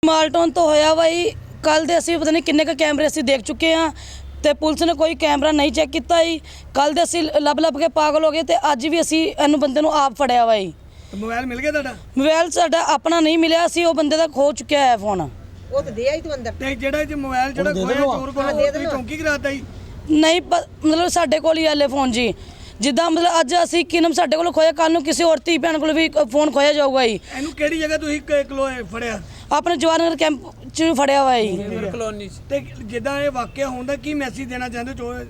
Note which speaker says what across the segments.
Speaker 1: ਮਾਲਟੋਨ ਤੋਂ ਹੋਇਆ ਬਾਈ। ਕੱਲ ਦੇ ਅਸੀਂ ਪਤਾ ਨਹੀਂ ਕਿੰਨੇ ਕੁ ਕੈਮਰੇ ਅਸੀਂ ਦੇਖ ਚੁੱਕੇ ਹਾਂ ਤੇ ਪੁਲਿਸ ਨੇ ਕੋਈ ਕੈਮਰਾ ਨਹੀਂ ਚੈੱਕ ਕੀਤਾ ਜੀ। ਕੱਲ ਦੇ ਅਸੀਂ ਲੱਭ ਕੇ ਪਾਗਲ ਹੋ ਗਏ ਤੇ ਅੱਜ ਵੀ ਅਸੀਂ ਇਹਨੂੰ ਬੰਦੇ ਨੂੰ ਆਪ ਫੜਿਆ ਬਾਈ।
Speaker 2: ਮੋਬਾਈਲ ਮਿਲ ਗਿਆ ਤੁਹਾਡਾ?
Speaker 1: ਮੋਬਾਈਲ ਸਾਡਾ ਆਪਣਾ ਨਹੀਂ ਮਿਲਿਆ, ਅਸੀਂ ਉਹ ਬੰਦੇ ਦਾ ਖੋ ਚੁੱਕਿਆ ਹੈ ਫੋਨ।
Speaker 3: ਉਹ ਤੇ ਦੇ ਆਈ ਤੂੰ ਅੰਦਰ
Speaker 2: ਤੇ ਜਿਹੜਾ ਜੀ ਮੋਬਾਈਲ ਜਿਹੜਾ ਖੋਇਆ ਚੋਰ ਕੋਲ ਤੁਸੀਂ ਚੌਂਕੀ ਕਰਾਤਾ ਜੀ?
Speaker 1: ਨਹੀਂ ਮਤਲਬ ਸਾਡੇ ਕੋਲ ਹੀ ਆਲੇ ਫੋਨ ਜੀ। ਜਿੱਦਾਂ ਮਤਲਬ ਅੱਜ ਅਸੀਂ ਕਿਨਮ ਸਾਡੇ ਕੋਲ ਖੋਇਆ, ਕੱਲ ਨੂੰ ਕਿਸੇ ਹੋਰ ਧੀ ਭੈਣ ਕੋਲ ਵੀ ਫੋਨ ਖੋਇਆ ਜਾਊਗਾ ਜੀ।
Speaker 2: ਇਹਨੂੰ ਕਿਹੜੀ ਜਗ੍ਹਾ ਤੁਸੀਂ ਫੜਿਆ?
Speaker 1: ਆਪਣੇ ਜਵਾਹਰ ਕੈਂਪ 'ਚ ਫੜਿਆ ਹੋਇਆ ਜੀ
Speaker 2: ਕਲੋਨੀ। ਤੇ ਜਿੱਦਾਂ ਇਹ ਵਾਕਿਆ ਹੁੰਦਾ ਕੀ ਮੈਸੇਜ ਦੇਣਾ ਚਾਹੁੰਦੇ ਚੋਰ?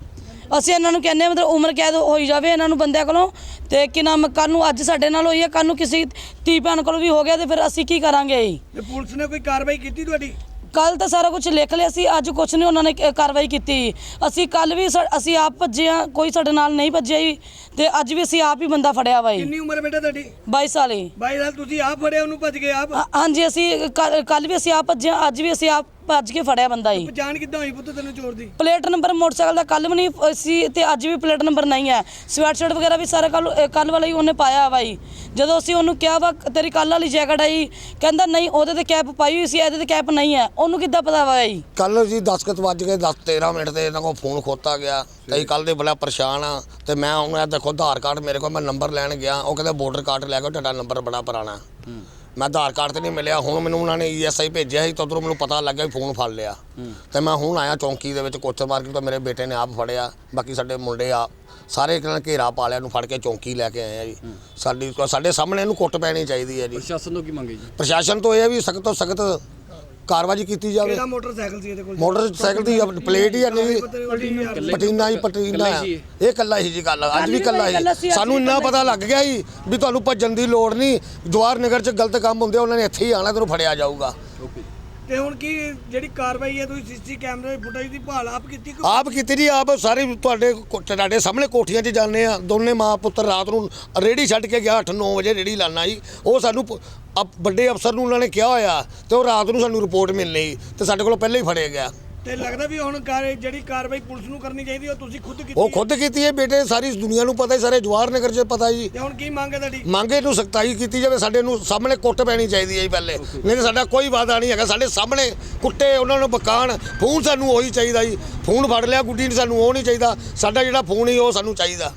Speaker 1: ਅਸੀਂ ਇਹਨਾਂ ਨੂੰ ਕਹਿੰਦੇ ਮਤਲਬ ਉਮਰ ਕੈਦ ਹੋਈ ਜਾਵੇ ਇਹਨਾਂ ਨੂੰ ਬੰਦਿਆਂ ਕੋਲੋਂ। ਤੇ ਕਿ ਨਾਮ ਕੱਲ ਨੂੰ ਅੱਜ ਸਾਡੇ ਨਾਲ ਹੋਈ ਹੈ, ਕੱਲ ਨੂੰ ਕਿਸੇ ਧੀ ਭੈਣ ਕੋਲ ਵੀ ਹੋ ਗਿਆ ਤੇ ਫਿਰ ਅਸੀਂ ਕੀ ਕਰਾਂਗੇ ਜੀ?
Speaker 2: ਤੇ ਪੁਲਿਸ ਨੇ ਕੋਈ ਕਾਰਵਾਈ ਕੀਤੀ ਤੁਹਾਡੀ?
Speaker 1: ਕੱਲ ਤਾਂ ਸਾਰਾ ਕੁਝ ਲਿਖ ਲਿਆ ਸੀ, ਅੱਜ ਕੁਝ ਨਹੀਂ ਉਹਨਾਂ ਨੇ ਕਾਰਵਾਈ ਕੀਤੀ। ਅਸੀਂ ਕੱਲ ਵੀ ਅਸੀਂ ਆਪ ਭੱਜੇ ਹਾਂ, ਕੋਈ ਸਾਡੇ ਨਾਲ ਨਹੀਂ ਭੱਜਿਆ ਜੀ। ਤੇ ਅੱਜ ਵੀ ਅਸੀਂ ਆਪ ਹੀ ਬੰਦਾ ਫੜਿਆ ਵਾ ਜੀ।
Speaker 2: ਕਿੰਨੀ ਉਮਰ ਬੇਟਾ ਤੁਹਾਡੀ?
Speaker 1: 22 ਸਾਲ ਹੀ।
Speaker 2: 22 ਸਾਲ। ਤੁਸੀਂ ਆਪ ਫੜਿਆ ਉਹਨੂੰ? ਭੱਜ ਗਏ ਆਪ?
Speaker 1: ਹਾਂਜੀ, ਅਸੀਂ ਕੱਲ ਵੀ ਅਸੀਂ ਆਪ ਭੱਜੇ ਹਾਂ, ਅੱਜ ਵੀ ਅਸੀਂ ਆਪ ਭੱਜ ਕੇ ਫੜਿਆ ਬੰਦਾ ਜੀ।
Speaker 2: ਪਛਾਣ ਕਿੱਦਾਂ ਹੋਈ ਪੁੱਤ ਤੈਨੂੰ ਚੋਰ ਦੀ?
Speaker 1: ਪਲੇਟ ਨੰਬਰ ਮੋਟਰਸਾਈਕਲ ਦਾ ਕੱਲ ਵੀ ਨਹੀਂ ਸੀ ਤੇ ਅੱਜ ਵੀ ਪਲੇਟ ਨੰਬਰ ਨਹੀਂ ਹੈ। ਸਵੈਟਸ਼ਰਟ ਵਗੈਰਾ ਵੀ ਸਾਰਾ ਕੱਲ ਵਾਲਾ ਹੀ ਉਹਨੇ ਪਾਇਆ ਵਾ ਜੀ। ਜਦੋਂ ਅਸੀਂ ਉਹਨੂੰ ਕਿਹਾ ਵਾ ਤੇਰੀ ਕੱਲ ਵਾਲੀ ਜੈਕਟ ਆਈ, ਕਹਿੰਦਾ ਨਹੀਂ ਉਹਦੇ ਤੇ ਕੈਪ ਪਾਈ ਹੋਈ ਸੀ, ਇਹਦੇ ਤੇ ਕੈਪ ਨਹੀਂ ਹੈ। ਉਹਨੂੰ ਕਿੱਦਾਂ ਪਤਾ ਵਾ ਜੀ?
Speaker 4: ਕੱਲ ਜੀ 10 ਵੱਜ ਕੇ 13 ਮਿੰਟ ਤੇ ਇਹਨਾਂ ਕੋਲ ਫੋਨ ਖੋਤਾ ਗਿਆ ਤੇ ਅਸੀਂ ਕੱਲ ਦੇ ਬੜਾ ਪਰੇਸ਼ਾਨ ਆ। ਤੇ ਮੈਂ ਹੁਣ ਇਹ ਦੇਖੋ ਆਧਾਰ ਕਾਰਡ ਮੇਰੇ ਕੋਲ, ਮੈਂ ਨੰਬਰ ਲੈਣ ਗਿਆ, ਉਹ ਕਹਿੰਦਾ ਵੋਟਰ ਕਾਰਡ ਲੈ ਕੇ ਤੁਹਾਡਾ ਨੰਬਰ ਬੜਾ ਪੁਰਾਣਾ। ਮੈਂ ਆਧਾਰ ਕਾਰਡ ਤੇ ਨਹੀਂ ਮਿਲਿਆ। ਹੁਣ ਮੈਨੂੰ ਉਹਨਾਂ ਨੇ ESI ਭੇਜਿਆ ਸੀ ਤਾਂ ਉੱਧਰੋਂ ਮੈਨੂੰ ਪਤਾ ਲੱਗਾ ਵੀ ਫੋਨ ਫੜ ਲਿਆ। ਤੇ ਮੈਂ ਹੁਣ ਆਇਆ ਚੌਂਕੀ ਦੇ ਵਿੱਚ ਕੋਚਰ ਮਾਰਕੀਟ ਤੋਂ, ਮੇਰੇ ਬੇਟੇ ਨੇ ਆਪ ਫੜਿਆ, ਬਾਕੀ ਸਾਡੇ ਮੁੰਡੇ ਆ ਸਾਰੇ ਇੱਕ ਨਾਲ ਘੇਰਾ ਪਾ ਲਿਆ, ਨੂੰ ਫੜ ਕੇ ਚੌਂਕੀ ਲੈ ਕੇ ਆਏ ਆ ਜੀ। ਸਾਡੇ ਸਾਹਮਣੇ ਇਹਨੂੰ ਕੁੱਟ ਪੈਣੀ ਚਾਹੀਦੀ ਹੈ ਜੀ।
Speaker 5: ਪ੍ਰਸ਼ਾਸਨ ਤੋਂ ਕੀ ਮੰਗੇ ਜੀ?
Speaker 4: ਪ੍ਰਸ਼ਾਸਨ ਤੋਂ ਇਹ ਹੈ ਵੀ ਸਖਤ ਤੋਂ ਸਖਤ ਕਾਰਵਾਈ ਕੀਤੀ ਜਾਵੇ।
Speaker 2: ਕਿਹੜਾ ਮੋਟਰਸਾਈਕਲ ਸੀ ਇਹਦੇ ਕੋਲ?
Speaker 4: ਮੋਟਰਸਾਈਕਲ ਦੀ ਪਲੇਟ ਹੀ ਨਹੀਂ, ਪਟੀਨਾ ਹੀ ਪਟੀਨਾ ਆ। ਇਹ ਕੱਲਾ ਹੀ ਜੀ, ਗੱਲ ਅੱਜ ਵੀ ਕੱਲਾ ਹੀ। ਸਾਨੂੰ ਇੰਨਾ ਪਤਾ ਲੱਗ ਗਿਆ ਸੀ ਵੀ ਤੁਹਾਨੂੰ ਭੱਜਣ ਦੀ ਲੋੜ ਨਹੀਂ, ਜਵਾਹਰ ਨਗਰ 'ਚ ਗਲਤ ਕੰਮ ਹੁੰਦੇ ਉਹਨਾਂ ਨੇ ਇੱਥੇ ਹੀ ਆਣਾ, ਤੈਨੂੰ ਫੜਿਆ ਜਾਊਗਾ।
Speaker 2: ਤੇ ਹੁਣ ਕੀ ਜਿਹੜੀ ਕਾਰਵਾਈ ਹੈ, ਤੁਸੀਂ CCTV ਕੈਮਰੇ ਫੁਟੇਜ ਦੀ ਭਾਲ ਆਪ ਕੀਤੀ?
Speaker 4: ਆਪ ਕੀਤੀ ਜੀ, ਆਪ ਸਾਰੇ ਤੁਹਾਡੇ ਸਾਹਮਣੇ ਕੋਠੀਆਂ 'ਚ ਜਾਂਦੇ ਆ। ਦੋਨੇ ਮਾਂ ਪੁੱਤਰ ਰਾਤ ਨੂੰ ਰੇਹੜੀ ਛੱਡ ਕੇ ਗਿਆ, 8-9 ਵਜੇ ਰੇਹੜੀ ਲਾਣਾ ਜੀ। ਉਹ ਸਾਨੂੰ ਵੱਡੇ ਅਫਸਰ ਨੂੰ ਉਹਨਾਂ ਨੇ ਕਿਹਾ ਹੋਇਆ ਤੇ ਉਹ ਰਾਤ ਨੂੰ ਸਾਨੂੰ ਰਿਪੋਰਟ ਮਿਲਣੀ ਤੇ ਸਾਡੇ ਕੋਲ ਪਹਿਲਾਂ ਹੀ ਫੜਿਆ ਗਿਆ।
Speaker 2: ਤੇ ਲੱਗਦਾ ਵੀ ਹੁਣ ਜਿਹੜੀ ਕਾਰਵਾਈ ਪੁਲਿਸ ਨੂੰ ਕਰਨੀ ਚਾਹੀਦੀ ਉਹ ਤੁਸੀਂ ਖੁਦ ਕੀਤੀ?
Speaker 4: ਉਹ ਖੁਦ ਕੀਤੀ ਹੈ ਬੇਟੇ, ਸਾਰੀ ਦੁਨੀਆ ਨੂੰ ਪਤਾ, ਸਾਰੇ ਜਵਾਹਰ ਨਗਰ 'ਚ ਪਤਾ ਜੀ।
Speaker 2: ਤੇ ਹੁਣ ਕੀ ਮੰਗ ਹੈ ਤੁਹਾਡੀ?
Speaker 4: ਮੰਗੇ ਨੂੰ ਸਖਤਾਈ ਕੀਤੀ ਜਾਵੇ, ਸਾਡੇ ਨੂੰ ਸਾਹਮਣੇ ਕੁੱਟ ਪੈਣੀ ਚਾਹੀਦੀ ਹੈ ਜੀ ਪਹਿਲੇ, ਨਹੀਂ ਤਾਂ ਸਾਡਾ ਕੋਈ ਵਾਅਦਾ ਨਹੀਂ ਹੈਗਾ। ਸਾਡੇ ਸਾਹਮਣੇ ਕੁੱਟੇ, ਉਹਨਾਂ ਨੂੰ ਬਕਾਣ। ਫੋਨ ਸਾਨੂੰ ਉਹੀ ਚਾਹੀਦਾ ਜੀ। ਫੋਨ ਫੜ ਲਿਆ ਗੁੱਡੀ ਨੇ, ਸਾਨੂੰ ਉਹ ਨਹੀਂ ਚਾਹੀਦਾ। ਸਾਡਾ ਜਿਹੜਾ ਫੋਨ ਹੀ ਉਹ ਸਾਨੂੰ ਚਾਹੀਦਾ।